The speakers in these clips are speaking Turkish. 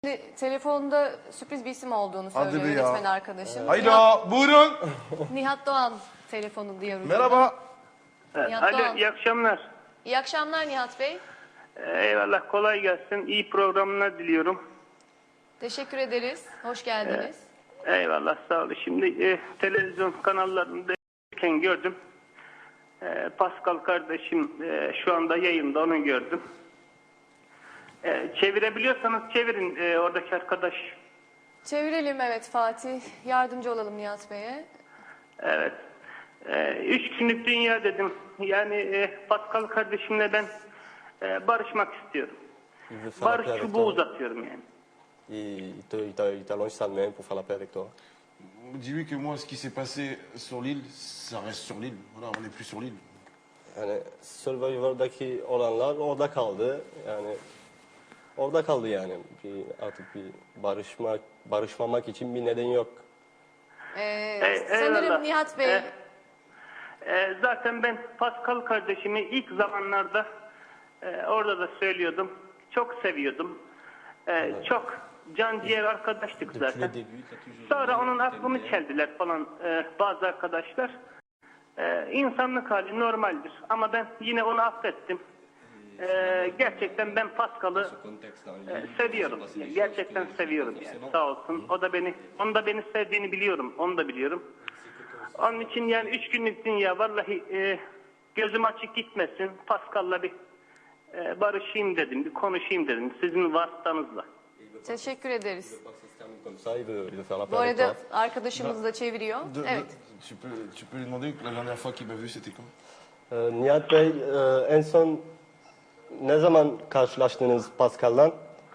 Telefonda sürpriz bir isim olduğunu Hadi söylüyor be ya. yönetmen arkadaşım. Hayda, buyurun. Nihat Doğan telefonu diye ucunda. Merhaba. Nihat Doğan. Alo, iyi akşamlar. İyi akşamlar Nihat Bey. Eyvallah, kolay gelsin. İyi programlar diliyorum. Teşekkür ederiz. Hoş geldiniz. Eyvallah, sağ olun. Şimdi televizyon kanallarında gördüm. Pascal kardeşim şu anda yayında, onu gördüm. Çevirebiliyorsanız çevirin oradaki arkadaş. Çevirelim, evet Fatih. Yardımcı olalım Nihat Bey'e. Evet. 3 günlük dünya dedim. Yani Pascal kardeşimle ben barışmak istiyorum. Barış çubuğu uzatıyorum yani. Il t'allonge sa main pour faire la paix avec toi. Dis-lui que moi, ce qui s'est passé sur l'île, ça reste sur l'île. Voilà, on n'est plus sur l'île. Yani Survivor'daki olanlar orada kaldı. Yani orada kaldı yani. Artık bir barışmamak için bir neden yok. Sanırım Eyvallah. Nihat Bey... Zaten ben Pascal kardeşimi ilk zamanlarda orada da söylüyordum. Çok seviyordum. Çok can ciğer arkadaştık zaten. Sonra onun aklını çeldiler falan bazı arkadaşlar. İnsanlık hali normaldir. Ama ben yine onu affettim. Gerçekten ben Pascal'ı seviyorum. Gerçekten seviyorum yani. Sağ olsun. Onun da beni sevdiğini biliyorum. Onu da biliyorum. Onun için yani 3 günlük dünya vallahi gözüm açık gitmesin. Pascal'la bir barışayım dedim, bir konuşayım dedim sizin vasıtanızla. Teşekkür ederiz. Il veut faire la Bu paix avec arada toi. arkadaşımız da çeviriyor. Evet. Tu peux lui demander que la dernière fois qu'il m'a vu, c'était quand? Nihat Bey, en son ne zaman karşılaştınız Pascal'la?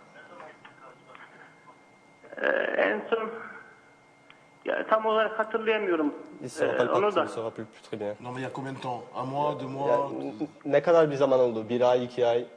En son ya tam olarak hatırlayamıyorum Il se rappelle pas, onu il da. se rappelle plus très bien. Non, mais il y a combien de temps? Un mois, 2 mois? Yani, ne kadar bir zaman oldu? 1 ay, 2 ay?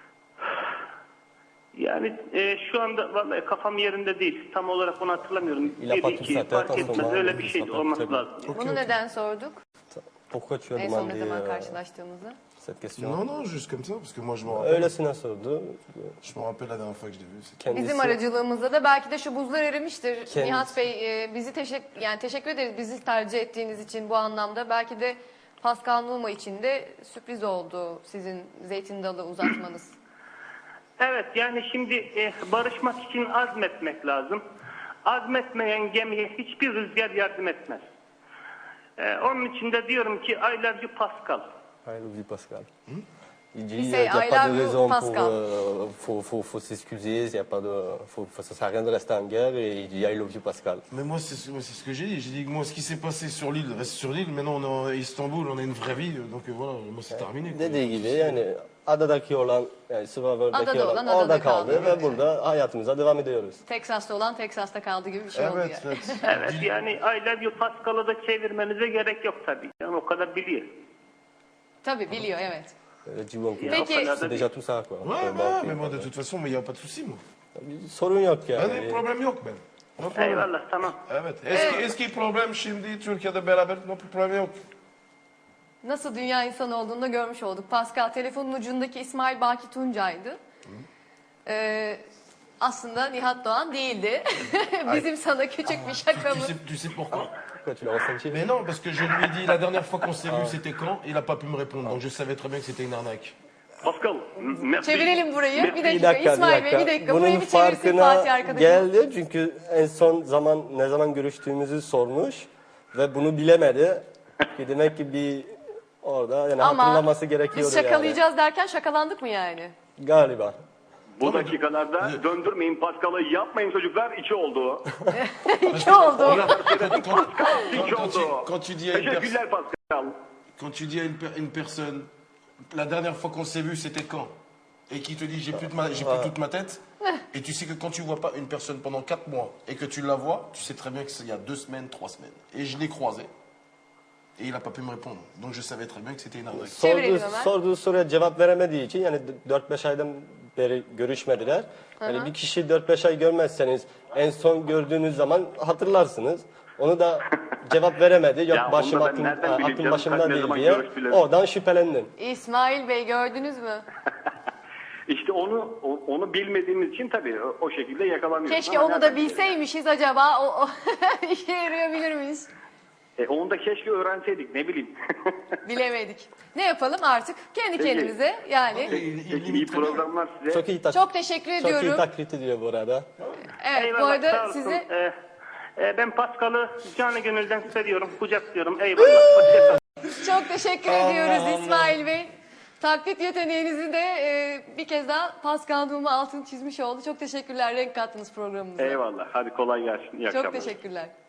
Yani şu anda vallahi kafam yerinde değil. Tam olarak onu hatırlamıyorum. Il a 1 pas tout 2 ça, fark attends, etmez. attends, Öyle bir attends, şey attends, olması attends. lazım. Bunu neden sorduk? Pourquoi tu as En son ne demandé zaman karşılaştığımızı? cette question? Non, non, juste comme ça, parce que moi, je me rappelle. Öylesine sordu. Je me rappelle la dernière fois que je l'ai vu. C'était... Kendisi, Bizim aracılığımızda da belki de şu buzlar erimiştir. Kendisi- Nihat Bey bizi teşekkür ederiz bizi tercih ettiğiniz için bu anlamda. Belki de Pascal Numa için de sürpriz oldu sizin zeytin dalı uzatmanız. Evet yani şimdi barışmak için azmetmek lazım. Azmetmeyen gemiye hiçbir rüzgar yardım etmez. Onun için de diyorum ki I love you Pascal. I love you, Pascal. Il dit Il qu'il say, n'y a I pas love de you, raison Pascal. faut s'excuser, il y a pas de, ça sert à rien de rester en guerre et il dit I love you, Pascal. Mais moi, c'est ce que j'ai dit. J'ai dit que moi, ce qui s'est passé sur l'île reste sur l'île. Maintenant, on est à Istanbul, on a une vraie vie. Donc voilà, moi, c'est terminé. quoi. Dediği gibi yani adadaki olan, yani Survivor'daki Adada olan olan orada adada kaldı kaldı. ve burada hayatımıza devam ediyoruz. Teksas'ta olan Teksas'ta kaldı gibi bir şey oldu Evet, yani. evet. Evet yani I love you Pascal'ı da çevirmenize gerek yok tabii. Yani o kadar biliyor. Tabii biliyor, evet. Cibon Peki. c'est déjà tout ça quoi. Ouais, ouais, mais moi, de toute façon, il n'y a pas de souci, moi. Sorun yok Ben yani. de problem yok ben. No problem. Eyvallah tamam. Evet. Eski problem şimdi Türkiye'de beraber no problem yok. Nasıl dünya insanı olduğunu da görmüş olduk. Pascal telefonun ucundaki İsmail Baki Tuncay'dı. Aslında Nihat Doğan değildi. Bizim sana küçük bir şakamız. Tu sais pourquoi? Pourquoi tu l'as ressenti? Mais non, parce que je lui ai dit la dernière fois qu'on s'est vu, c'était quand? Il n'a pas pu me répondre. Donc je savais très bien que c'était une arnaque. Pascal. merci. Çevirelim burayı. Bir Bir dakika, dakika, İsmail bir Bey dakika. bir dakika. Bunun Burayı bir çevirsin Fatih farkına arkadaşım. geldi çünkü en son zaman ne zaman görüştüğümüzü sormuş ve bunu bilemedi. Ki demek ki bir orada yani Ama hatırlaması gerekiyordu biz şakalayacağız derken şakalandık mı yani? yani. Galiba. Bu dakikalarda döndürmeyin Pascal'ı, yapmayın çocuklar, içi oldu. İki oldu. İçi oldu. Quand tu dis à une personne, Teşekkürler Pascal. quand tu dis à une personne, la dernière fois qu'on s'est vu, c'était quand? Et qui te dit j'ai plus toute ma tête. Et tu sais que quand tu vois pas une personne pendant 4 mois et que tu la vois, tu sais très bien que c'est il y a 2 semaines, 3 semaines. Et je l'ai croisé. Et il n'a pas pu me répondre. Donc je savais très bien que c'était une arnaque. Çevirelim hemen. Sorduğu soruya cevap veremediği için yani 4-5 aydan beri görüşmediler. Yani bir kişi 4-5 ay görmezseniz en son gördüğünüz zaman hatırlarsınız. Onu da cevap veremedi. Yok Ya başım onu da ben aklım, nereden bileyim aklım canım, başımda kaç ne değil zaman diye görüştüler? oradan şüphelendin. İsmail Bey gördünüz mü? İşte onu bilmediğimiz için tabii o şekilde yakalamıyoruz. Keşke Ama onu da nereden bilelim bilseymişiz acaba. O işe yarayabilirmiş. yani? Onu da keşke öğrenseydik, ne bileyim. Bilemedik. Ne yapalım artık? Kendi Peki. kendimize yani. Peki, iyi programlar size. Çok iyi Çok teşekkür Çok iyi ediyorum. taklit ediyor bu arada. Evet, bu Eyvallah, sağ arada olsun. size Ben Pascal'ı canı gönülden seviyorum, kucaklıyorum. Eyvallah. Hoşçakalın. çok teşekkür ediyoruz İsmail Bey. Taklit yeteneğinizi de bir kez daha Pascal Numa altını çizmiş oldu. Çok teşekkürler. Renk kattınız programımıza. Eyvallah. Hadi kolay gelsin. İyi Çok akşamlar. teşekkürler.